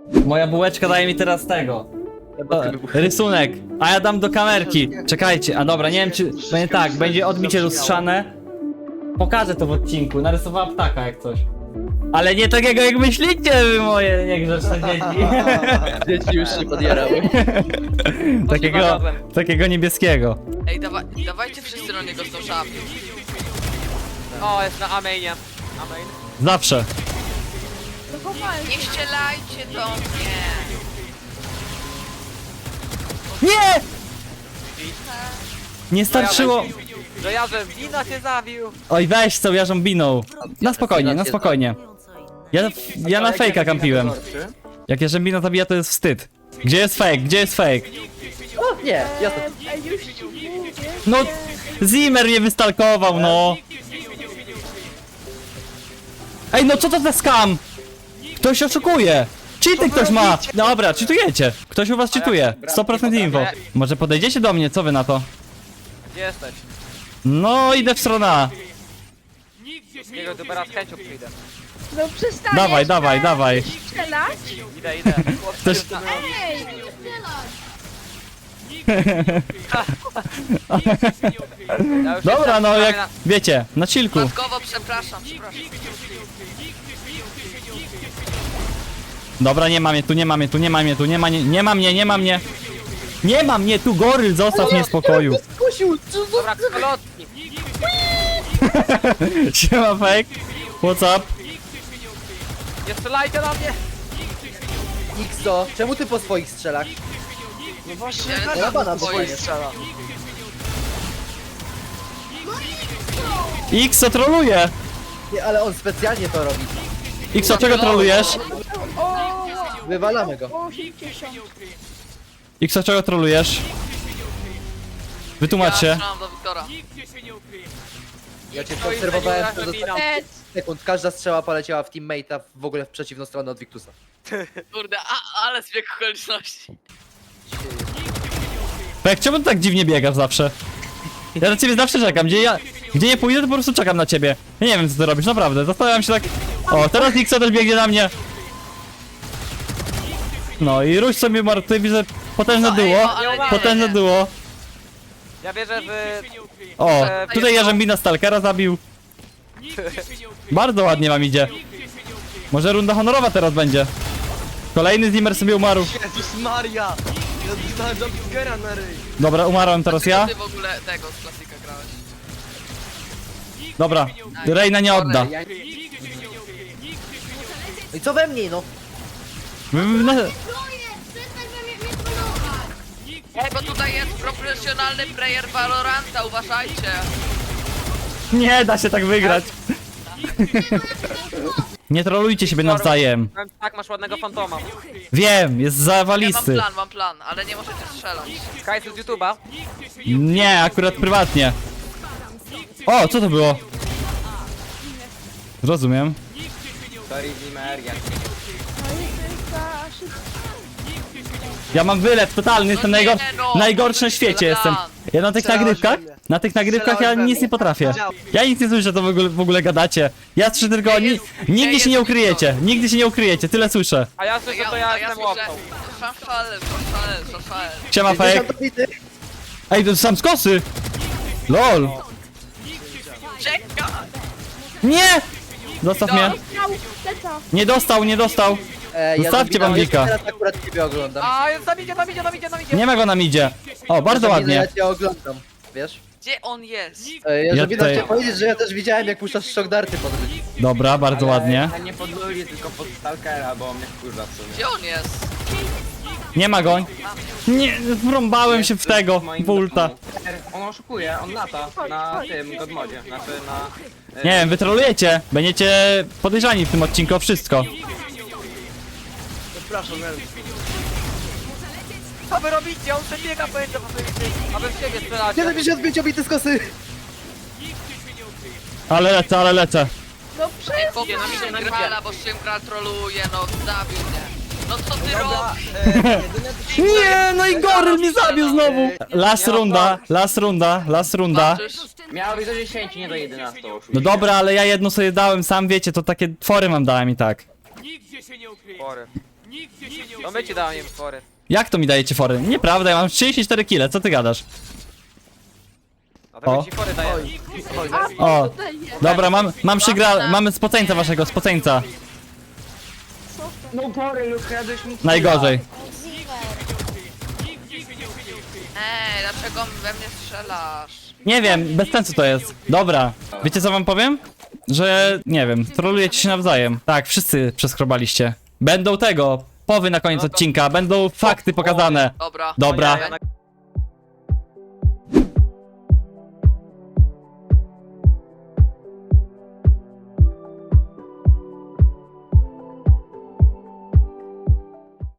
Moja bułeczka daje mi teraz tego. Rysunek, a ja dam do kamerki. Czekajcie, a dobra, nie wiem czy... Będzie tak, będzie odbicie lustrzane. Pokażę to w odcinku, narysowała ptaka jak coś. Ale nie takiego jak myślicie wy moje niegrzeczne dzieci. Dzieci już się podjarały. Takiego niebieskiego. Ej, dawajcie wszyscy na niego z tą szapką. O, jest na Amainie. Amain. Zawsze. Nie ścielajcie do mnie. Nie! Nie starczyło. Że ja, że wina się zawił. Oj weź co, ja żąbiną. Na spokojnie, na spokojnie. Ja na fejka kampiłem. Jak Jarzębina zabija to jest wstyd. Gdzie jest fake? Gdzie jest fake? O, nie, jasne. No, Zimmer mnie wystalkował, no. Ej, no co to za scam? Ktoś oszukuje. Cheaty ktoś ma. Dobra, cheatujecie. Ktoś u was cheatuje. 100% info. Może podejdziecie do mnie, co wy na to? Gdzie jesteś? No, idę w stronę A. Jego dupera z chęcią przyjdę. No przestaniesz Dawaj, dawaj, dawaj. strzelać? Idę, idę. Ktoś... Ej! Ja już Dobra, jestem no prawie jak... Wiecie, na chillku. Matkowo, przepraszam. Dobra, nie ma mnie tu, nie ma mnie tu, nie ma mnie tu, nie ma mnie, nie ma mnie, nie ma mnie. Nie ma mnie tu, goryl, zostaw mnie w spokoju. Kusiu, co za... Dobra, kolotki. Siema fake. What's up? Nie strzelajcie na mnie. Xo, czemu ty po swoich strzelach? No właśnie, Ja bana Twoje dostanie. strzela. Xo troluje. Nie, ale on specjalnie to robi. Xo, czego trolujesz? O! Wywalamy go. 80. Xo, czego trolujesz? Wytłumacz się. strzelam do Wiktora. Ja cię obserwowałem przez ostatnie Ed. sekund. Każda strzała poleciała w teammate'a w ogóle w przeciwną stronę od Victusa. Kurde, ale zbieg okoliczności. Fake, czemu ty tak dziwnie biegasz zawsze? Ja na ciebie zawsze czekam, gdzie nie pójdę to po prostu czekam na ciebie. Ja nie wiem co ty robisz, naprawdę, zastanawiam się tak... O, teraz Xo też biegnie na mnie. No i rusz sobie martwy, widzę potężne duo. Potężne duo. Ja wierzę w... O, tutaj Jarzębina Stalkera zabił. Bardzo ładnie wam idzie. Może runda honorowa teraz będzie. Kolejny Zimmer sobie umarł. Jezus Maria! Ja dostałem jumpscare'a na ryj. Dobra, umarłem teraz ja. Ty w ogóle tego z klasika grałeś. Dobra, Reina nie odda. No i co we mnie, no? Ej, bo tutaj jest profesjonalny player Valoranta, uważajcie. Nie da się tak wygrać. Nie trolujcie siebie nawzajem. Tak, masz ładnego fantoma. Wiem, jest Ja mam zawalisty. plan, ale nie możecie strzelać. Kajs z YouTube'a. Nie, akurat prywatnie. O, co to było? Zrozumiem. Ja mam wylew totalny, jestem No nie, no, najgorszy na świecie jestem. Ja na tych nagrywkach ja nic nie potrafię. Ja nic nie słyszę, co w ogóle gadacie. Ja słyszę tylko, nigdy się nie ukryjecie, nigdy się nie ukryjecie, tyle słyszę. A ja słyszę, to ja jestem łopką. Szaszale. Siema fake. 50 bity. Ej, to sam z kosy. LOL. Czeka! Nie! Zostaw mnie. Miał leca. Nie dostał, nie dostał. Zostawcie Bambika. Teraz akurat ciebie oglądam. A, tam idzie. Nie ma go na midzie. O, bardzo ładnie. Ja cię oglądam, wiesz? Gdzie on jest? Ja tutaj- chciałem powiedzieć, że ja też widziałem jak puszczasz shock darty pod ryj. Dobra, bardzo ładnie. Ja nie pod Luli, tylko pod Stalkera, bo mnie wkurza w sumie. Gdzie on jest? Nie ma go. Nie, wrąbałem się w tego, w ulta. On oszukuje, on lata na tym godmodzie, znaczy na... Nie wiem, wy trolujecie. Będziecie podejrzani w tym odcinku o wszystko. Przepraszam, Co wy robicie? On przebiega, pamiętam, aby w siebie strzelacie. 75 obity z kosy! Ale lecę. No przestań. Pokój Szymgrala, bo Szymgral troluje, no zabił mnie. No co ty Dobra, robisz? Nie, no i goryl mnie zabił znowu. Last runda. Patrzysz? miało być do 10, nie do 11 oszukuje. No dobra, ale ja jedno sobie dałem, sam wiecie, to takie twory wam dałem i tak. Spory. No my ci dałem fory. Jak to mi dajecie fory? Nieprawda, ja mam 34 kile, co ty gadasz? A to O. my ci fory dajemy. O, Tutaj jest. dobra, mam mamy spoceńca waszego, spoceńca. No pory, Luke, jadłeś mi Najgorzej. Ej, dlaczego we mnie strzelasz? Nie wiem, bez sensu to jest. Dobra, wiecie co wam powiem? Że, nie wiem, trolujecie się nawzajem. Tak, wszyscy przeskrobaliście. Będą tego, powy na koniec odcinka, będą fakty pokazane. Dobra. Dobra. Ja na